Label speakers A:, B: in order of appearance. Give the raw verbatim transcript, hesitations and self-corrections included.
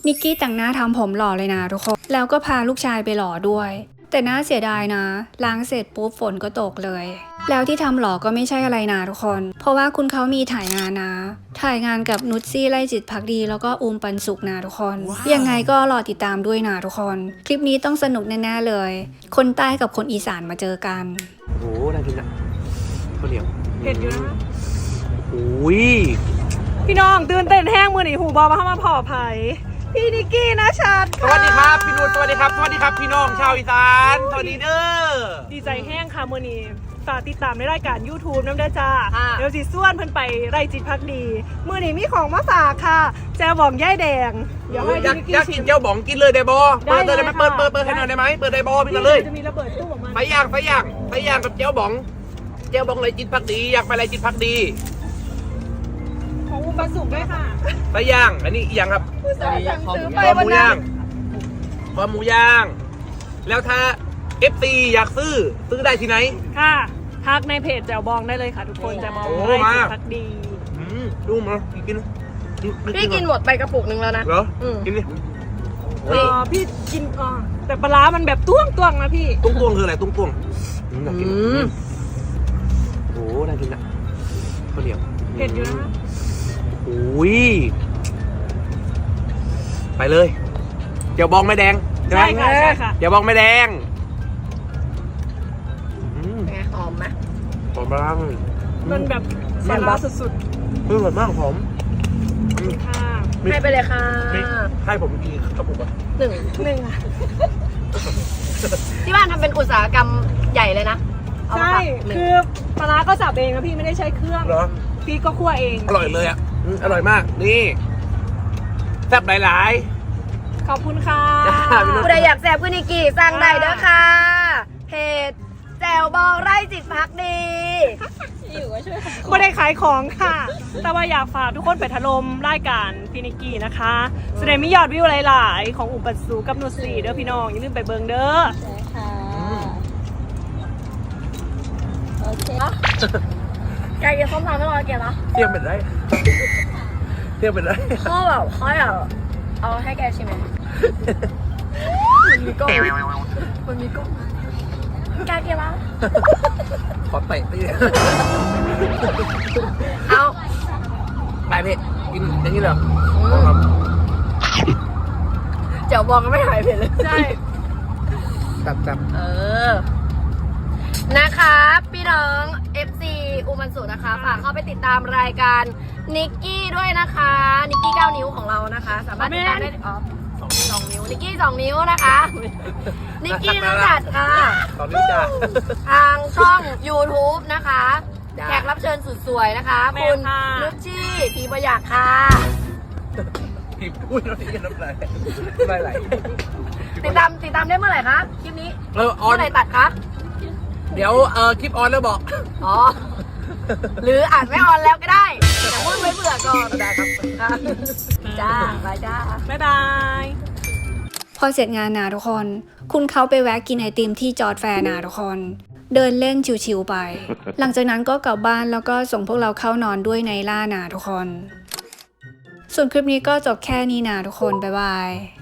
A: นิกกี้แต่งหน้าทำผมหล่อเลยนะทุกคนแล้วก็พาลูกชายไปหล่อด้วยแต่น่าเสียดายนะล้างเสร็จปุ๊บฝนก็ตกเลยแล้วที่ทำหล่อก็ไม่ใช่อะไรนะทุกคนเพราะว่าคุณเขามีถ่ายงานนะถ่ายงานกับนุชซี่ไล่จิตพักดีแล้วก็อูมปันสุกนะทุกคน wow. ยังไงก็รอติดตามด้วยนะทุกคนคลิปนี้ต้องสนุกแน่ๆเลยคนใต้กับคนอีสานมาเจอกัน
B: โอ้โหน่ากินนะข้าวเหนียว
C: เผ็ดอยู่นะ
B: โอ้ย
C: พี่น้องตื่นเต้นแห้งมือหนีหูบอมาเข้ามาผ่อไผ่พี่นิกกี้นะชัด
B: สวัสดีครับพี่นุชสวัสดีครับสวัสดีครับพี่น้องชาวอีสานสวัสดีเด้อ
C: ดีใจแห้งค่ะมือนี้ฝากติดตามในรายการ ยูทูบ น้ำเด้อจ้าเดี๋ยวสิส่วนเพิ่นไปไร่จิตพักดีมือนี้มีของมาฝากค่ะแจวบองย่ายแดง
B: เดี๋ยวให้พี่นิกกี้อยากกินเจ้าบองกินเลยได้บอเปิดเลยได้ไหมเปิดเปิดเปิดให้หน่อยได้ไหมเปิดได้บอพี่กันเลย
C: จะมีระเบิดตู้ออกมา
B: ไปย่างไปย่างไปย่างกับเจ้าบองเจ้าบองไรจิตพักดีอยากไปไรจิตพักดี
C: ของอุปสุกด้วยค่ะ
B: ไปย่างอันนี้อีกอย่างครับคอหมูย่างคอหมูย่างแล้วถ้า เอฟ ซี อยากซื้อซื้อได้ที่ไหน
C: ค่ะทักในเพจแจวบองได้เลยค่ะทุกคนจะมองไร่จิตพักดี
B: ดูมากิน
D: พี่กินหมดไปกระปุกหนึ่งแล้วนะ
B: เหรอกินดิ
C: อ๋อพี่กินอ๋อแต่ปลามันแบบต้วงต้วงนะพี่
B: ตุ้งต้วงคืออะไรตุ้งต้วงน่ากินโอ้น่ากินอ่ะข้าวเหนียว
C: เผ็ดอยู่นะ
B: โอ้ยไปเลยเดี๋ยวบองไม่แดง
C: ใช่ค่ะใช่ค่ะ
B: เดี๋ยวบองไม่แดง
D: ไงหอมไหม
B: หอมมาก
C: มันแบบปลาสุด
B: ๆคือหอมมากหอม
C: ค่ะ
D: ให้ไปเลยค่ะ
B: ให้ผมกี่กระปุกอ่ะ
D: หนึ่ง
C: หนึ่งค่ะ
D: ที่บ้านทำเป็นอุตสาหกรรมใหญ่เลยนะ
C: ใช่คือปลาก็สับเองนะพี่ไม่ได้ใช้เครื่อง
B: เหรอ
C: พี่ก็คั่วเอง
B: อร่อยเลยอ่ะอร่อยมากนี่แซ่บหลาย
C: ๆขอบคุณค่ะ
D: ผู้ใดอยากแซ่บคุณนิกกี้สั่งได้เด้อค่ะเพจแจวบองไร่จิตพักดี
C: อยู่ก็ช่วยไม่ได้ขายของค่ะแต่ว่าอยากฝากทุกคนไปถล่มรายการพี่นิกกี้นะคะแสดงมียอดวิวหลายๆของอุปสูกับนุชซี่เด้อพี่น้องอย่าลืมไปเบิ่งเด้อ
D: ใช่ค่ะโอเคไก่กินส้มตำไม่รอเกี่ยวนะ
B: เที่ยงเป็นไรเที่ยงเป็นไร
D: ข้อแบบข้อแบบเอาให้แกชิมไหมมันมีกล้องมันมีกล้องแกเกี่ยวปะ
B: ขอเตะตี
D: เอา
B: ไปพี่กินอย่างนี้เหรอ
D: เจ้าบอกก็ไม่หายเผ็ดเลย
C: ใช่
B: จับจับ
D: เออนะคะพี่น้อง เอฟ ซี อูมันสุนะคะฝากเข้าไปติดตามรายการนิกกี้ด้วยนะคะนิกกี้เก้านิ้วของเรานะคะสามารถติดตามได้อ๋อสองสองนิ้วนิกกี้สองนิ้วนะคะนิกกี้ต้องจัดค่ะ
B: สองนิ้วจ้า
D: ทางช่อง ยูทูบ นะคะแขกรับเชิญสุดสวยนะคะคุณนุชชี่พีประหยักค่ะ
B: พีพูดแล้วนี่น้ำลายน้ำลายไหล
D: ติดตามติดตามได้เมื่อไหร่คะคลิปนี้เมื่อไหร่ตัดคะ
B: เดี๋ยวเออคลิปออนแล้วบอก
D: อ๋อหรืออาจไม่ออนแล้วก็ได้แต่พูดไม่เบื่อก่อน
B: ได้ครับ
D: จ้าบายจ้า
C: บ๊ายบาย
A: พอเสร็จงานนะทุกคนคุณเขาไปแวะกินไอติมที่จอร์จแฟร์นะทุกคนเดินเล่นชิวๆไปหลังจากนั้นก็กลับบ้านแล้วก็ส่งพวกเราเข้านอนด้วยในล่านะทุกคนส่วนคลิปนี้ก็จบแค่นี้นะทุกคนบ๊ายบาย